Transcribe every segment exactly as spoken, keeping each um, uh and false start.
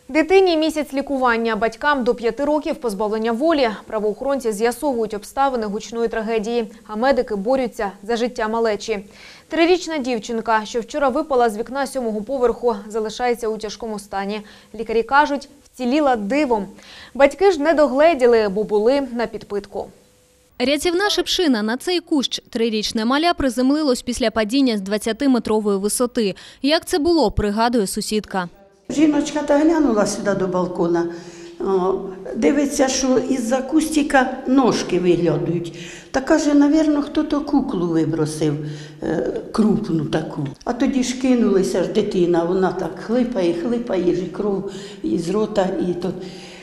Дитині місяць лікування, батькам до п'яти років позбавлення волі. Правоохоронці з'ясовують обставини гучної трагедії, а медики борються за життя малечі. Трирічна дівчинка, що вчора випала з вікна сьомого поверху, залишається у тяжкому стані. Лікарі кажуть, вціліла дивом. Батьки ж не догледіли, бо були на підпитку. Рятівна шипшина на цей кущ. Трирічне маля приземлилось після падіння з двадцятиметрової висоти. Як це було, пригадує сусідка. Жіночка та глянула сюди до балкона, о, дивиться, що із-за кустика ножки виглядають. Та каже, мабуть, хто-то куклу вибросив, е, крупну таку. А тоді ж кинулися ж дитина, вона так хлипає, хлипає, і кров із рота. І то.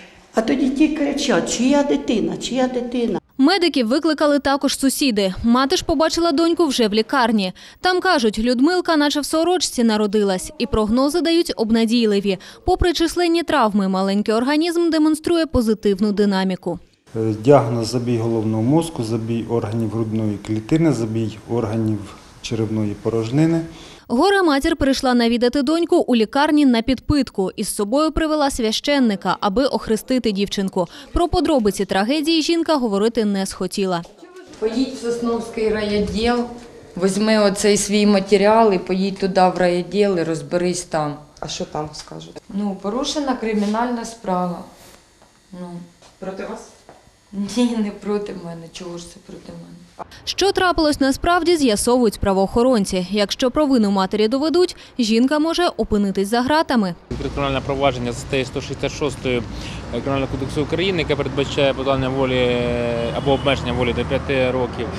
А тоді ті кричать, чия дитина, чия дитина. Медиків викликали також сусіди. Мати ж побачила доньку вже в лікарні. Там кажуть, Людмилка наче в сорочці народилась. І прогнози дають обнадійливі. Попри численні травми, маленький організм демонструє позитивну динаміку. Діагноз – забій головного мозку, забій органів грудної клітини, забій органів черевної порожнини. Горе-матір прийшла навідати доньку у лікарні на підпитку. Із собою привела священника, аби охрестити дівчинку. Про подробиці трагедії жінка говорити не схотіла. Поїдь в Сосновський райвідділ, візьми оцей свій матеріал і поїдь туди в райвідділ і розберись там. А що там скажуть? Ну, порушена кримінальна справа. Ну. Проти вас? Ні, не проти мене. Чого ж це проти мене? Що трапилось насправді, з'ясовують правоохоронці. Якщо провину матері доведуть, жінка може опинитись за ґратами. Кримінальне провадження за статтею сто шістдесят шість Кримінального кодексу України, яке передбачає позбавлення волі або обмеження волі до п'яти років.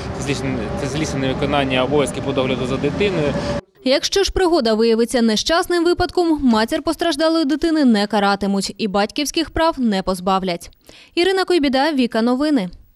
Це злісне невиконання обов'язків по догляду за дитиною. Якщо ж пригода виявиться нещасним випадком, матір постраждалої дитини не каратимуть і батьківських прав не позбавлять. Ірина Койбіда, Віка Новини.